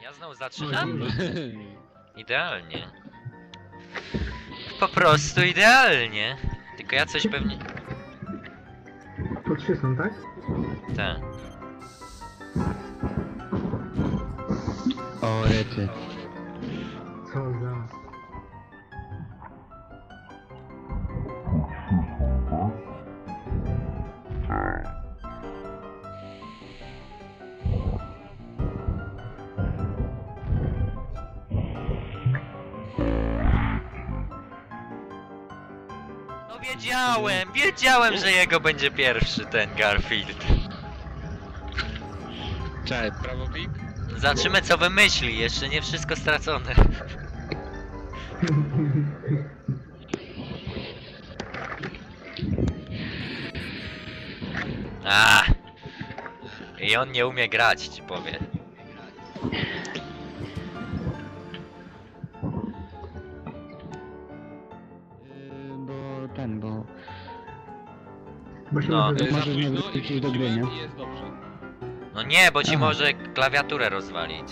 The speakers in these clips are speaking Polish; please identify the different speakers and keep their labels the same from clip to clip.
Speaker 1: Ja znowu zaczynam? Idealnie. Po prostu idealnie. Tylko ja coś pewnie...
Speaker 2: Po 3 są, tak?
Speaker 1: Tak.
Speaker 3: O, rety.
Speaker 2: Co za...
Speaker 1: No wiedziałem, że jego będzie pierwszy ten Garfield.
Speaker 3: Czekaj, prawo klik?
Speaker 1: Zobaczymy co wymyśli, jeszcze nie wszystko stracone. A! I on nie umie grać, ci powiem.
Speaker 3: Bo...
Speaker 2: Bo się
Speaker 1: No.
Speaker 2: może...
Speaker 3: Możesz nie wrócić do gry, nie?
Speaker 4: I jest dobrze.
Speaker 1: No nie, bo ci
Speaker 3: Aha.
Speaker 1: może klawiaturę rozwalić.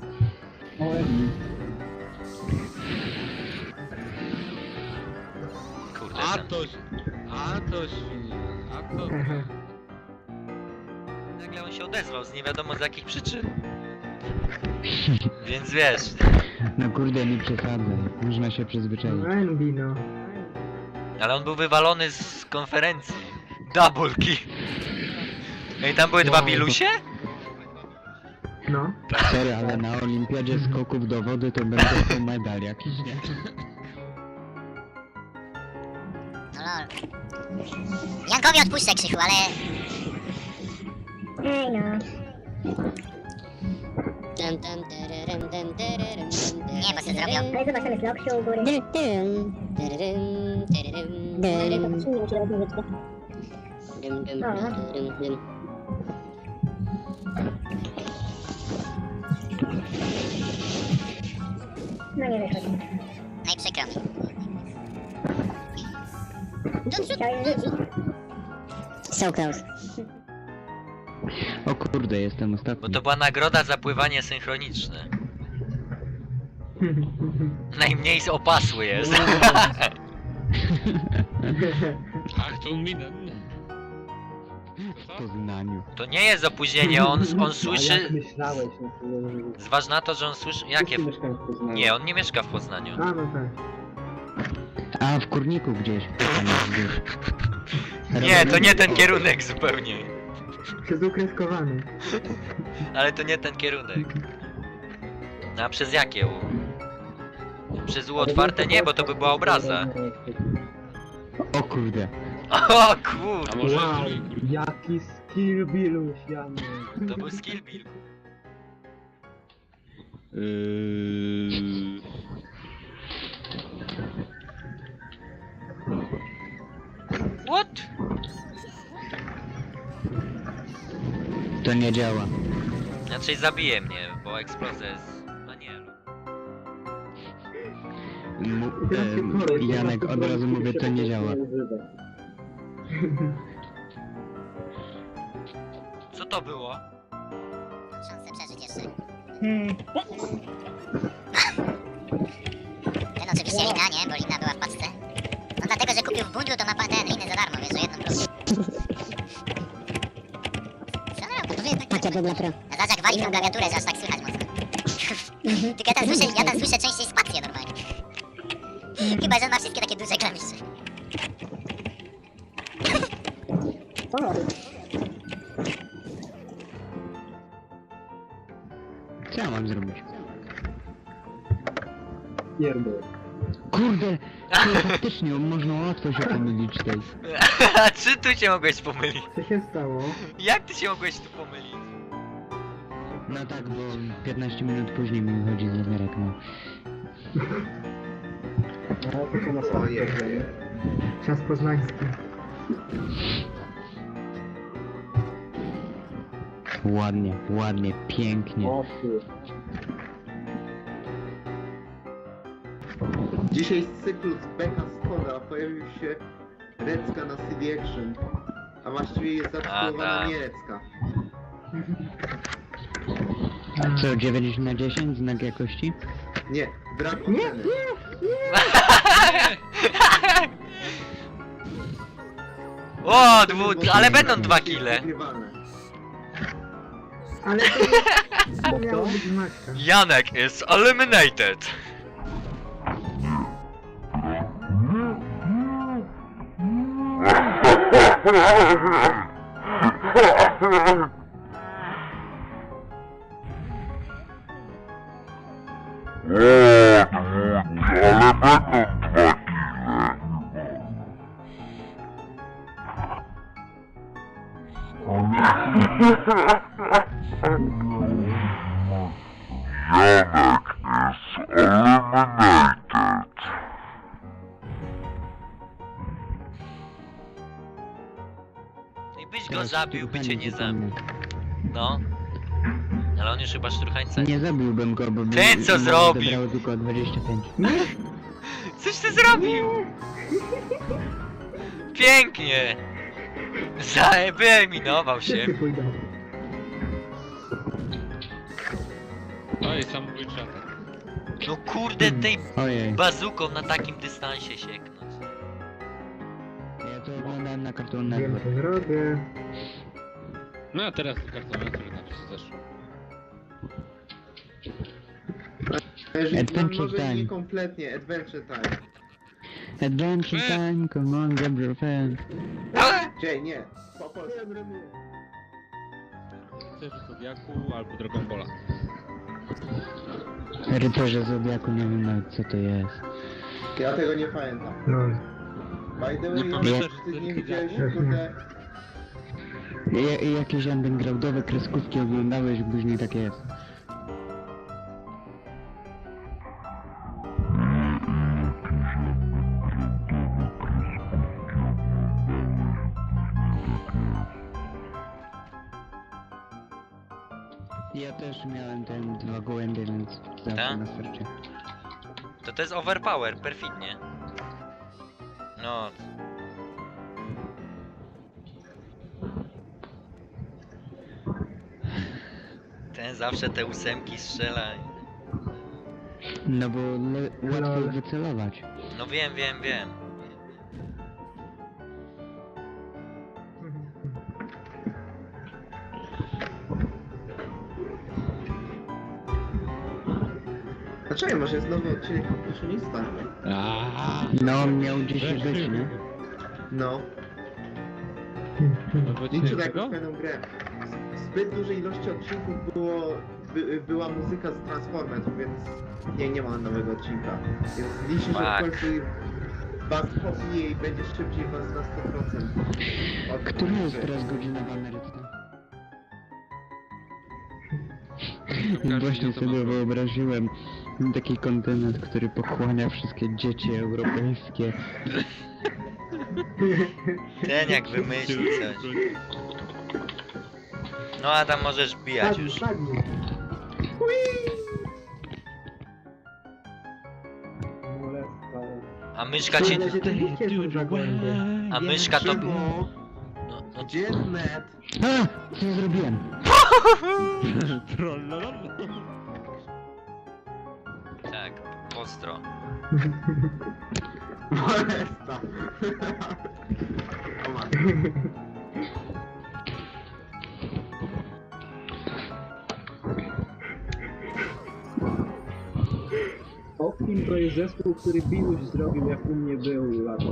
Speaker 1: Kurde,
Speaker 4: A
Speaker 1: ten...
Speaker 4: to świnie, a to...
Speaker 1: Nagle on się odezwał z nie wiadomo z jakich przyczyn. Więc wiesz...
Speaker 3: No kurde, nie przesadzaj. Można się przyzwyczaić.
Speaker 2: Envy, no.
Speaker 1: Ale on był wywalony z konferencji. Double kill. No i tam były dwa
Speaker 3: Wow.
Speaker 1: bilusie?
Speaker 2: No.
Speaker 3: Sorry, ale na olimpiadzie skoków do wody to będzie to medal jakiś, nie?
Speaker 5: No lol. Jankowi odpuszczę Krzychu, ale...
Speaker 6: Ej no.
Speaker 5: Nie, bo się zrobią.
Speaker 6: Ale zobacz, tam jest Loksiu u góry. Zacznijmy ci robić muzyczkę. No nie wychodzi.
Speaker 5: No i przykro mi.
Speaker 6: Chciałem rzucić. So close.
Speaker 3: O kurde, jestem ostatni.
Speaker 1: Bo to była nagroda za pływanie synchroniczne. Najmniej opasły jest.
Speaker 4: Ach, to minę.
Speaker 3: W Poznaniu.
Speaker 1: To nie jest opóźnienie, on
Speaker 2: A jak
Speaker 1: słyszy...
Speaker 2: myślałeś, no to...
Speaker 1: Zważ na to, że on słyszy... Jakie...
Speaker 2: Mieszkałem w Poznaniu.
Speaker 1: Nie, on nie mieszka w Poznaniu.
Speaker 2: A, no tak.
Speaker 3: A, w Kurniku gdzieś. Tam jest gdzieś.
Speaker 1: Nie, to nie ten kierunek zupełnie.
Speaker 2: Przez ukreskowany.
Speaker 1: Ale to nie ten kierunek. No a przez jakie U? Przez U otwarte nie, bo to by była obraza.
Speaker 3: O kurde.
Speaker 1: O kur...
Speaker 4: A może
Speaker 2: Wow,
Speaker 4: trójkrót?
Speaker 2: jaki skill biluś, Janek.
Speaker 1: To był skill build. What?
Speaker 3: To nie działa.
Speaker 1: Znaczy zabije mnie, bo eksplozja jest... No nie.
Speaker 3: Janek, od razu mówię, to nie działa.
Speaker 1: Co to było?
Speaker 5: Szansę przeżyć jeszcze.
Speaker 6: Hmm.
Speaker 5: Ten oczywiście Lina, nie? Bo Lina była w paczce. No dlatego, że kupił w bundlu, to ma ten Linę za darmo, wiesz, o jedną plus. Co on robi? To jest tak...
Speaker 6: Patrz, dla pro.
Speaker 5: A zobacz jak wali tą klawiaturę, że aż tak słychać mocno. Tylko ja tam słyszę częściej spację normalnie. Chyba, że on ma wszystkie takie duże klawisze.
Speaker 6: O,
Speaker 3: Co ja mam zrobić?
Speaker 2: Pierdol.
Speaker 3: Kurde! To faktycznie, można łatwo się pomylić tej.
Speaker 1: A czy tu się mogłeś pomylić?
Speaker 2: Co się stało?
Speaker 1: Jak ty się mogłeś tu pomylić?
Speaker 3: No tak, bo 15 minut później mi wychodzi zegarek, no.
Speaker 2: Czas poznański.
Speaker 3: Ładnie, ładnie, pięknie.
Speaker 7: Dzisiaj z cyklu z Beka Skoda pojawił się Recka na CD Action, a właściwie jest zatytułowana
Speaker 1: tak.
Speaker 7: Nierecka.
Speaker 3: Co, 9 na 10 znak jakości?
Speaker 7: Nie, brak
Speaker 2: Nie,
Speaker 7: oceny.
Speaker 1: O, ale będą 2 kile.
Speaker 7: Wygrywane.
Speaker 2: Ale to miało być Maćka.
Speaker 1: Janek is eliminated. I byś go zabił, by cię nie zabił. No. Ale on już chyba szturchańca.
Speaker 3: Nie zabiłbym go, bo by
Speaker 1: Ten co
Speaker 3: bo
Speaker 1: zrobił?
Speaker 3: odebrało tylko 25.
Speaker 1: Coś ty zrobił? Pięknie! Wyeliminował się.
Speaker 2: Wszyscy pójdą.
Speaker 4: Oj, samobójczy atak.
Speaker 1: No kurde, tej
Speaker 3: Ojej,
Speaker 1: bazuką na takim dystansie sieknąć.
Speaker 3: ja to oglądałem na Cartoon
Speaker 2: Wiem
Speaker 3: Network.
Speaker 2: co zrobię.
Speaker 4: No a teraz kartona, który na to się zeszło.
Speaker 7: Jeżeli
Speaker 3: Adventure
Speaker 7: może
Speaker 3: time.
Speaker 7: nie kompletnie, Adventure Time.
Speaker 3: Adventure time, come on, grab your pen.
Speaker 7: Gdzie, nie. Po polsku.
Speaker 4: Chcesz Zodiaku albo Dragon Balla.
Speaker 3: Rycerze Zodiaku, nie wiem nawet co to jest.
Speaker 7: Ja tego nie pamiętam.
Speaker 2: No.
Speaker 7: By the
Speaker 4: Nie
Speaker 7: way,
Speaker 4: pamiętasz,
Speaker 7: ty
Speaker 4: że
Speaker 7: nie
Speaker 4: to
Speaker 7: widziałeś,
Speaker 2: Zodiaku?
Speaker 7: kurde...
Speaker 3: Jakieś undergroundowe kreskówki oglądałeś, później tak jest. Ja też miałem ten 2 gołębie, więc zawsze
Speaker 1: Tak?
Speaker 3: na starcie.
Speaker 1: To jest overpower, perfidnie. No. Ten zawsze te 8 strzela.
Speaker 3: No bo łatwo
Speaker 2: Lol.
Speaker 3: wycelować.
Speaker 1: No wiem.
Speaker 7: Dlaczego? Może jest nowy odcinek Kompletionista?
Speaker 3: No on miał gdzieś być, nie?
Speaker 7: No.
Speaker 4: No bo
Speaker 7: Liczę na
Speaker 4: czego?
Speaker 7: jakąś fajną grę. W zbyt dużej ilości odcinków była muzyka z Transformers, więc nie ma nowego odcinka. Więc liczę, że w
Speaker 1: Fuck.
Speaker 7: końcu was popije i będzie szybciej was na 100%. Od
Speaker 3: Która jest
Speaker 7: gry.
Speaker 3: teraz godzina w Ameryce?
Speaker 4: Każdy
Speaker 3: Właśnie
Speaker 4: to ma
Speaker 3: sobie
Speaker 4: swoje.
Speaker 3: wyobraziłem taki kontynent, który pochłania wszystkie dzieci europejskie.
Speaker 1: Ten jak wymyśli coś. No a tam możesz bijać
Speaker 2: Padnij,
Speaker 1: już.
Speaker 2: padnij. Molesta.
Speaker 1: A myszka ci...
Speaker 2: Ale się to nie cieszy za głębie.
Speaker 1: A myszka to...
Speaker 7: Szymon,
Speaker 1: No,
Speaker 7: gdzie jest net?
Speaker 3: A! Co ja zrobiłem?
Speaker 1: tak, pozdro.
Speaker 7: Molesta. O matko.
Speaker 2: Optim to jest zespół, który Biluś zrobił jak u mnie był lato.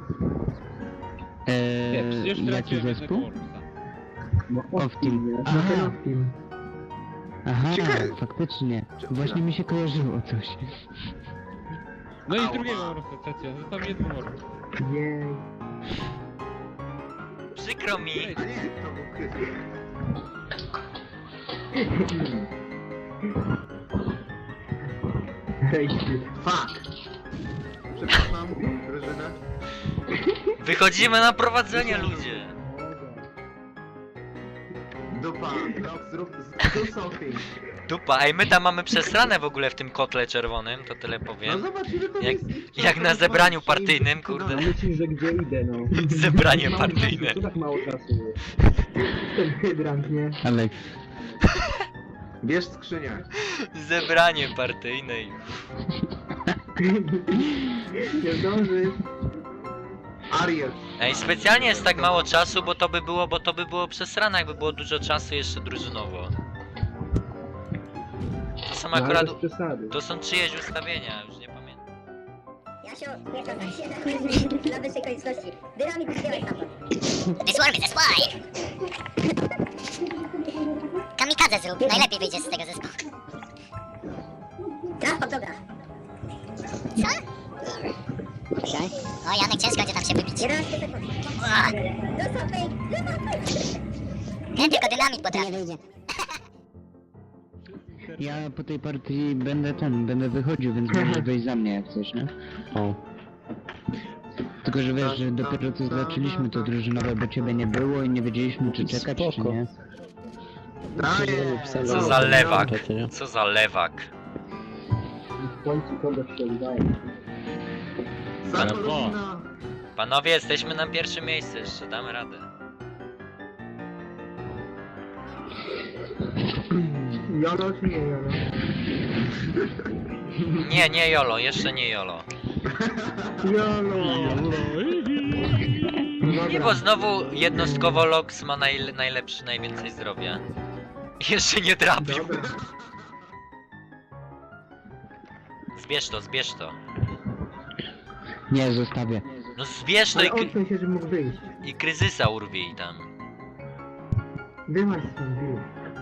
Speaker 4: Nie, przecież
Speaker 3: Jaki
Speaker 4: traciłem jednego
Speaker 3: zespół?
Speaker 4: Orbusa.
Speaker 2: No
Speaker 3: Optim.
Speaker 2: Optim, nie? No
Speaker 3: Aha.
Speaker 2: ten Optim.
Speaker 3: Aha,
Speaker 7: Ciekawe.
Speaker 3: faktycznie. Właśnie mi się kojarzyło coś.
Speaker 4: No i
Speaker 7: Ała.
Speaker 4: drugiego Orbusa traciłem, został jedną Orbus.
Speaker 2: Jej.
Speaker 1: Przykro mi.
Speaker 7: A nie, to był Krystian.
Speaker 2: Hejty.
Speaker 7: Fuck! Przepraszam, Grażyna.
Speaker 1: Wychodzimy na prowadzenie, ludzie.
Speaker 7: Dupa, no zrób something.
Speaker 1: Dupa, ej, my tam mamy przesrane w ogóle w tym kotle czerwonym, to tyle
Speaker 7: No
Speaker 1: powiem.
Speaker 7: zobacz, ile to
Speaker 1: Jak-
Speaker 7: jest ich
Speaker 1: jak
Speaker 7: czasu,
Speaker 1: na
Speaker 7: to
Speaker 1: zebraniu
Speaker 7: są
Speaker 1: partyjnym,
Speaker 7: im-
Speaker 1: kurde.
Speaker 2: A myślisz, że gdzie idę, no.
Speaker 1: Zebranie
Speaker 2: Mało
Speaker 1: partyjne.
Speaker 2: Czasu, to tak mało czasu jest. Ten hydrant, nie?
Speaker 3: Ale
Speaker 7: Bierz skrzynię.
Speaker 1: Zebranie partyjne i...
Speaker 2: Nie zdążysz.
Speaker 7: Ariel.
Speaker 1: Ej, specjalnie jest tak mało czasu, bo to by było przesrane, jakby było dużo czasu jeszcze drużynowo. To są
Speaker 2: No, ale
Speaker 1: akurat...
Speaker 2: bez przesady.
Speaker 1: To są czyjeś ustawienia, już nie pamiętam.
Speaker 6: Jasio, nie to tak się dla wyższej konieczności. Dynamik przyjąłeś stamtąd.
Speaker 5: Wysłamy ze spłaj! Kamikadze zrób, najlepiej wyjdziesz z tego zespołu.
Speaker 6: Transport dobra.
Speaker 5: Co? O, Janek, ciężko będzie tam się wybić.
Speaker 6: 11 sekund.
Speaker 5: Ua,
Speaker 6: Dostał fake!
Speaker 5: nie, tylko dynamit potrafi.
Speaker 6: wyjdzie.
Speaker 3: Ja po tej partii będę wychodził, więc możesz wejść za mnie jak coś, nie? O. Tylko, że wiesz, że dopiero co zaczęliśmy to drużynowe, bo ciebie nie było i nie wiedzieliśmy czy czekać, czy nie.
Speaker 7: Daję.
Speaker 1: Co za lewak. Co za lewak.
Speaker 2: W końcu kogoś się udaje.
Speaker 7: Zakolina.
Speaker 1: Panowie, jesteśmy na pierwszym miejscu jeszcze, damy radę.
Speaker 2: Jolo czy nie Jolo?
Speaker 1: Nie Jolo, jeszcze nie Jolo.
Speaker 2: Jolo! No
Speaker 1: Nie, bo znowu jednostkowo Lox ma najlepszy, najwięcej zdrowia. Jeszcze nie trafił.
Speaker 7: Dobra.
Speaker 1: Zbierz to.
Speaker 3: Nie, zostawię.
Speaker 1: No zbierz to
Speaker 2: Ale odsuń się, żeby mógł wyjść.
Speaker 1: i kryzysa urwij tam.
Speaker 2: Wyłaź stąd, Bill.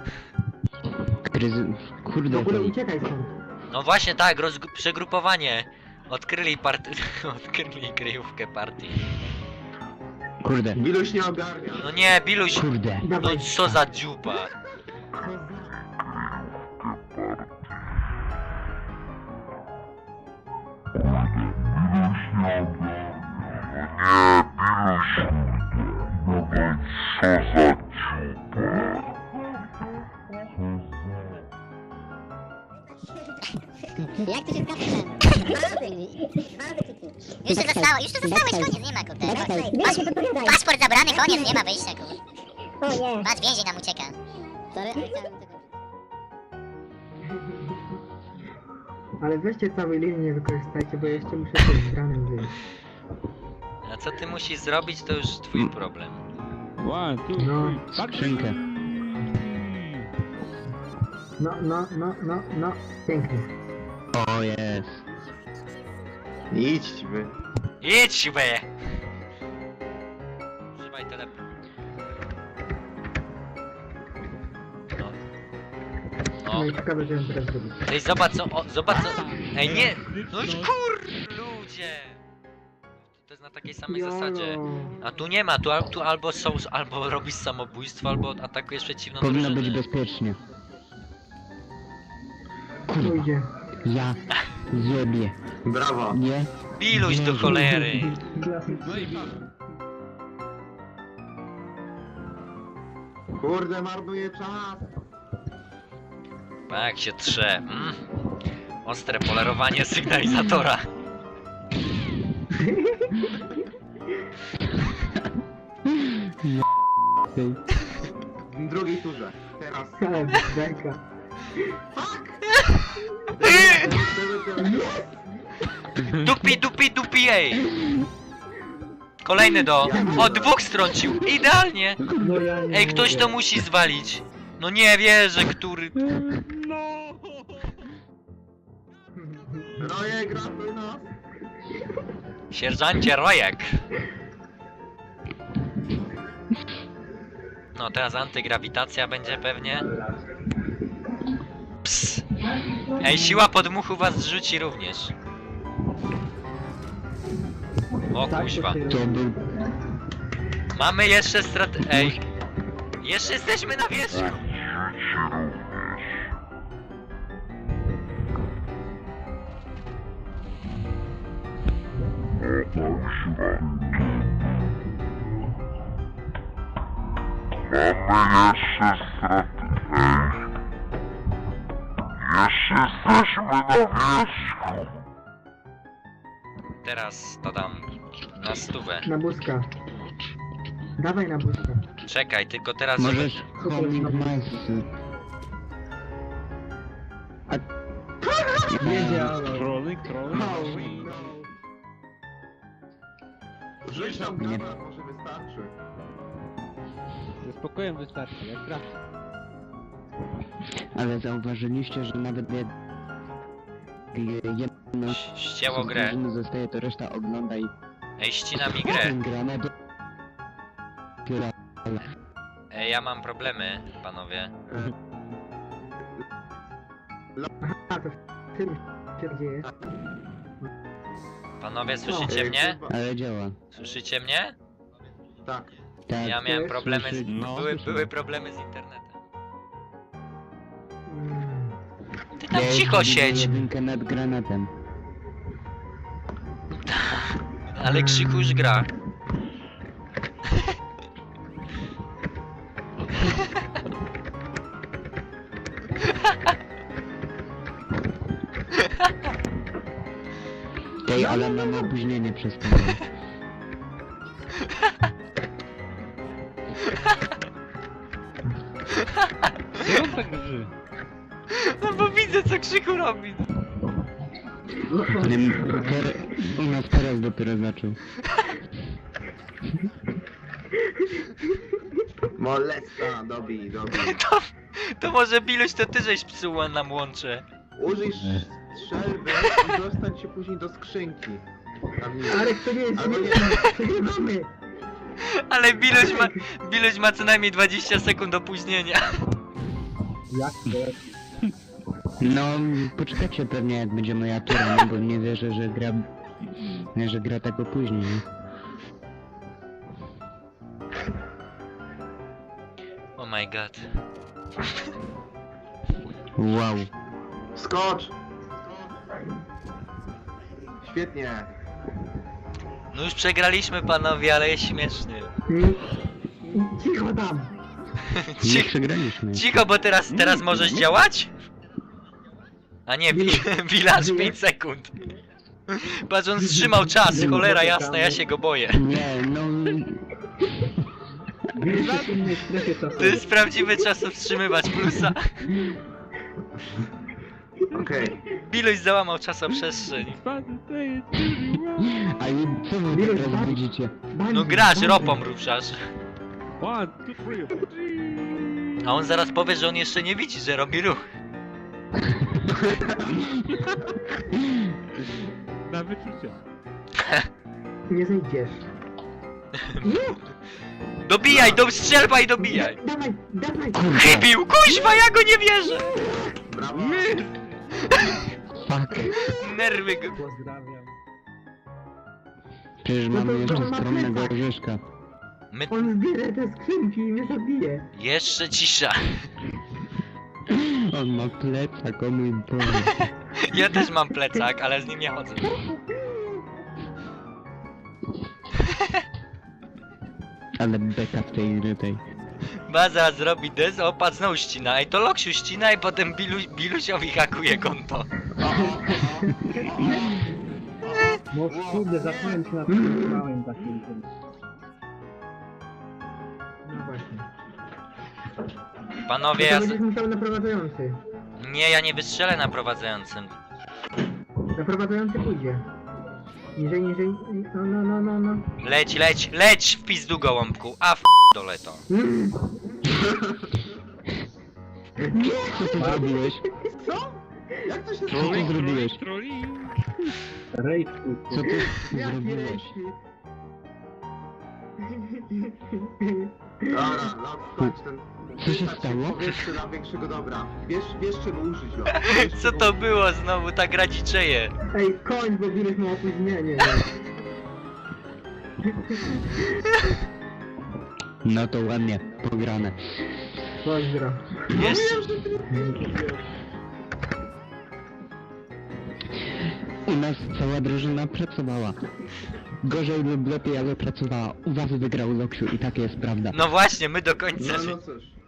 Speaker 2: W
Speaker 3: Kurde,
Speaker 2: ogóle
Speaker 3: to...
Speaker 2: uciekaj stąd.
Speaker 1: No właśnie tak, przegrupowanie. Odkryli odkryli kryjówkę partii.
Speaker 3: Kurde.
Speaker 7: Biluś nie ogarnia.
Speaker 1: No nie, Biluś,
Speaker 3: Kurde.
Speaker 1: no
Speaker 2: Dawaj.
Speaker 1: co za dziupa.
Speaker 6: Jak ty się skapnął? Dwa razy kliknij.
Speaker 5: Już to zostałeś, koniec, nie ma kurde.
Speaker 6: Masz się wypowiadaj.
Speaker 5: Paszport zabrany, koniec, nie ma wyjścia kurde.
Speaker 6: O nie.
Speaker 5: Patrz, więzień nam ucieka.
Speaker 6: Sorry, ale chciałem tego.
Speaker 2: Ale weźcie całej linii nie wykorzystajcie, bo jeszcze muszę coś z ranem wyjść.
Speaker 1: A co ty musisz zrobić, to już twój problem.
Speaker 4: One, two,
Speaker 2: No.
Speaker 4: three, tak.
Speaker 3: Skrzynkę.
Speaker 2: No. Pięknie.
Speaker 3: O, jest.
Speaker 7: Idź wy.
Speaker 1: Idź be! Używaj teleport. No.
Speaker 2: No
Speaker 1: No.
Speaker 2: i ciekawe, co ją teraz zrobić.
Speaker 1: Ej, zobacz co... Ej, nie! No już ludzie! To jest na takiej samej zasadzie. A tu nie ma, tu albo robisz samobójstwo, albo atakujesz przeciwną
Speaker 3: Powinno być
Speaker 1: drużynę.
Speaker 3: bezpiecznie.
Speaker 2: Pójdzie.
Speaker 3: Ja zjebię.
Speaker 7: Brawo.
Speaker 3: Nie?
Speaker 1: Biluś do cholery!
Speaker 4: No i patrz.
Speaker 7: Kurde, marnuje czas.
Speaker 1: Tak się trze. Ostre polerowanie sygnalizatora.
Speaker 7: W drugiej turze. Teraz.
Speaker 2: Ale beka.
Speaker 1: Dupi, ej! Kolejny O, dwóch strącił! Idealnie!
Speaker 2: No ja nie
Speaker 1: Ej, ktoś
Speaker 2: mogę.
Speaker 1: to musi zwalić! No nie wierzę, który...
Speaker 7: Rojek, ratuj nas.
Speaker 1: Sierżancie Rojek! No teraz antygrawitacja będzie pewnie. Ps. Ej, siła podmuchu was zrzuci również. O
Speaker 2: Tak,
Speaker 1: kuźwa.
Speaker 2: to
Speaker 3: To był...
Speaker 1: Mamy jeszcze Ej! Jeszcze jesteśmy na wierzchu!
Speaker 8: Mamy jeszcze straty, ej. Jeszcze jesteśmy na wierzchu.
Speaker 1: Teraz to dam na stówę.
Speaker 2: Na buzka. Dawaj na buzka.
Speaker 1: Czekaj, tylko teraz...
Speaker 3: Możesz homing masy.
Speaker 2: Wiedziałem.
Speaker 4: Trolling.
Speaker 7: Rzuć tam
Speaker 3: Nie.
Speaker 7: granat, może wystarczy.
Speaker 4: Ze spokojem wystarczy, jak raz.
Speaker 3: Ale zauważyliście, że nawet jak jedno
Speaker 1: Ścięło
Speaker 3: z
Speaker 1: grę.
Speaker 3: drużyny zostaje, to reszta ogląda i...
Speaker 1: Ej, ścina mi grę.
Speaker 3: Granat dopiero...
Speaker 1: Ej, ja mam problemy, panowie.
Speaker 2: A, to w tym się dzieje.
Speaker 1: Panowie, słyszycie mnie?
Speaker 3: Ale działa.
Speaker 1: Słyszycie mnie?
Speaker 7: Tak.
Speaker 3: Tak.
Speaker 1: Ja miałem
Speaker 2: jest,
Speaker 1: problemy z...
Speaker 3: słyszy-
Speaker 4: no,
Speaker 1: były problemy z internetem.
Speaker 2: Mm.
Speaker 1: Ty tam
Speaker 3: Ja
Speaker 1: cicho
Speaker 3: już widzę
Speaker 1: siedź!
Speaker 3: jedynkę nad granatem.
Speaker 1: Ale Krzyku już gra.
Speaker 3: Tej, ale mam opóźnienie przez to.
Speaker 4: Co on tak drży?
Speaker 1: No bo widzę co Krzyku robi.
Speaker 3: U nas teraz dopiero zaczął.
Speaker 7: Molesta, dobij.
Speaker 1: To może Biluś to ty żeś psuła nam łącze.
Speaker 7: Użyj strzelby i dostań się później do skrzynki. Tam nie.
Speaker 2: Ale to nie jest
Speaker 7: Albo nie.
Speaker 2: przegrywamy.
Speaker 1: Ale Biluś ma co najmniej 20 sekund opóźnienia.
Speaker 2: Jak to?
Speaker 3: No, poczekajcie pewnie jak będzie moja tura, no bo nie wierzę, że gra tak opóźni, nie?
Speaker 1: Oh my god.
Speaker 3: Wow.
Speaker 7: Skocz! Świetnie.
Speaker 1: No już przegraliśmy panowie, ale jest śmiesznie.
Speaker 2: Cicho tam.
Speaker 3: Nie przegraliśmy.
Speaker 1: Cicho, bo teraz możesz działać? A nie, Village 5 sekund. Patrz, on wstrzymał czas, cholera jasna, ja się go boję.
Speaker 3: Nie, no...
Speaker 2: W innej strefie
Speaker 1: To
Speaker 2: czasowej.
Speaker 1: jest prawdziwy czas wstrzymywać plusa.
Speaker 7: Okej.
Speaker 1: Biluś załamał czasoprzestrzeń.
Speaker 3: A i co wy teraz widzicie?
Speaker 1: No grasz, ropą ruszasz.
Speaker 4: 1, 2, 3.
Speaker 1: A on zaraz powie, że on jeszcze nie widzi, że robi ruch.
Speaker 4: Na wyczucie.
Speaker 2: Nie zejdziesz.
Speaker 1: Dobijaj, strzelba i dobijaj.
Speaker 2: Dawaj.
Speaker 1: Chybił, kuźwa, ja go nie wierzę.
Speaker 7: Brawo.
Speaker 3: Fuck.
Speaker 1: Nerwy go.
Speaker 2: Pozdrawiam.
Speaker 3: Przecież
Speaker 2: No to
Speaker 3: mamy jeszcze
Speaker 2: on ma
Speaker 3: skromnego
Speaker 2: plecak.
Speaker 3: orzeszka.
Speaker 1: My...
Speaker 2: On zbierze te skrzynki i mnie zabije.
Speaker 1: Jeszcze cisza.
Speaker 3: On ma plecak, o mój Boże.
Speaker 1: Ja też mam plecak, ale z nim nie chodzę.
Speaker 3: Ale beka w tej...
Speaker 1: Baza zrobi des, o patrz, znowu ścina. Ej, to Loksiu ścina i potem Bilusiowi hakuje konto.
Speaker 2: No kurde, zacząłem się na tym małym takim. No właśnie.
Speaker 1: Panowie,
Speaker 2: To
Speaker 1: ja...
Speaker 2: będziesz musiał naprowadzający.
Speaker 1: Nie, ja nie wystrzelę na prowadzącym.
Speaker 2: Naprowadzający pójdzie. Niżej. No.
Speaker 1: Leć w pizdu gołąbku, a w dole to.
Speaker 3: Co ty zrobiłeś?
Speaker 7: Co? Jak to się
Speaker 3: Co ty zrobiłeś? Co ty zrobiłeś?
Speaker 7: Dobra, no spać ten...
Speaker 3: Co się stało?
Speaker 7: Powierzchnię dla większego dobra. Wiesz czego użyć go.
Speaker 1: Co to było znowu, ta gra dziczeje?
Speaker 2: Ej, koń, bo Biluś ma opóźnienie.
Speaker 3: No to ładnie, pograne.
Speaker 2: Pozdro.
Speaker 1: Jeszcze...
Speaker 3: U nas cała drużyna pracowała. Gorzej lub lepiej, ale pracowała. U was wygrał Loksiu i taka jest prawda.
Speaker 1: No właśnie, my do końca
Speaker 7: No,
Speaker 1: życia.
Speaker 7: no cóż.